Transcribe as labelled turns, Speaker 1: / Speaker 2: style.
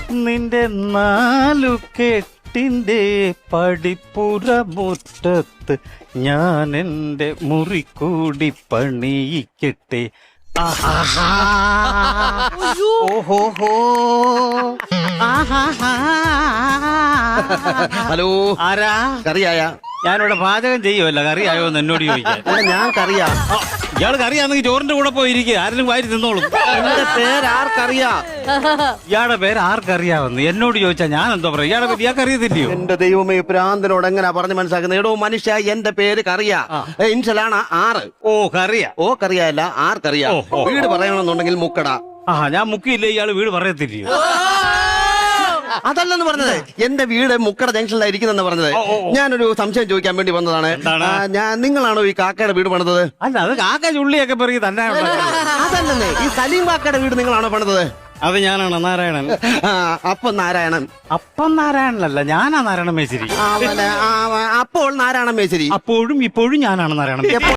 Speaker 1: നിന്റെ നാലു കെട്ടിന്റെ പടിപ്പുറ മുറ്റത്ത് ഞാൻ എന്റെ മുറി കൂടി പണിയിക്കട്ടെ. ഓഹോ.
Speaker 2: ഹലോ,
Speaker 1: ആരാ?
Speaker 2: കറിയായ?
Speaker 1: ഞാനിവിടെ പാചകം ചെയ്യുമല്ല, കറിയായോ എന്ന് എന്നോട് ചോദിക്കാൻ.
Speaker 2: ഞാൻ കറിയാ.
Speaker 1: ഇയാള് കറിയാണെങ്കിൽ ചോറിന്റെ കൂടെ പോയിരിക്കും, ആരെങ്കിലും വാരി തിന്നോളും.
Speaker 2: എന്റെ പേര് ആർക്കറിയാ?
Speaker 1: ഇയാളുടെ പേര് ആർക്കറിയാവുന്നു എന്നോട് ചോദിച്ചാ ഞാൻ എന്തോ പറയാം? ഇയാളെ പറ്റി ഇയാൾക്ക് അറിയത്തില്ലയോ?
Speaker 2: എന്റെ ദൈവമേ, പ്രാന്തനോട് എങ്ങനെയാ പറഞ്ഞ് മനസ്സിലാക്കുന്നത്? എടോ മനുഷ്യ, എന്റെ പേര് കറിയാ. ഇൻഷലാണ് ആറ്.
Speaker 1: ഓ കറിയാ.
Speaker 2: ഓ കറിയല്ല, ആർക്കറിയാ. വീട് പറയണമെന്നുണ്ടെങ്കിൽ മുക്കട.
Speaker 1: ഞാൻ മുക്കിയില്ലേ, ഇയാള് വീട് പറയത്തില്ലയോ?
Speaker 2: അതല്ലെന്ന് പറഞ്ഞത്, എന്റെ വീട് മുക്കട ജംഗ്ഷനിലായിരിക്കുന്നെന്ന് പറഞ്ഞത്. ഞാനൊരു സംശയം ചോദിക്കാൻ വേണ്ടി വന്നതാണ്. നിങ്ങളാണോ ഈ കാക്കയുടെ വീട് പണിതത്?
Speaker 1: അല്ല, അത് കാക്ക ചുള്ളിയൊക്കെ പറയും തന്നെ.
Speaker 2: അതല്ലെന്നേ, ഈ സലീം കാക്കയുടെ വീട് നിങ്ങളാണോ പണിതത്?
Speaker 1: അത് ഞാനാണ് നാരായണൻ.
Speaker 2: അപ്പം നാരായണൻ.
Speaker 1: അപ്പം നാരായണനല്ല, ഞാനാ നാരായണ മേശ്ശേരി.
Speaker 2: അപ്പോൾ നാരായണ മേശ്ശേരി.
Speaker 1: അപ്പോഴും ഇപ്പോഴും ഞാനാണ് നാരായണ മേശ്ശേരി.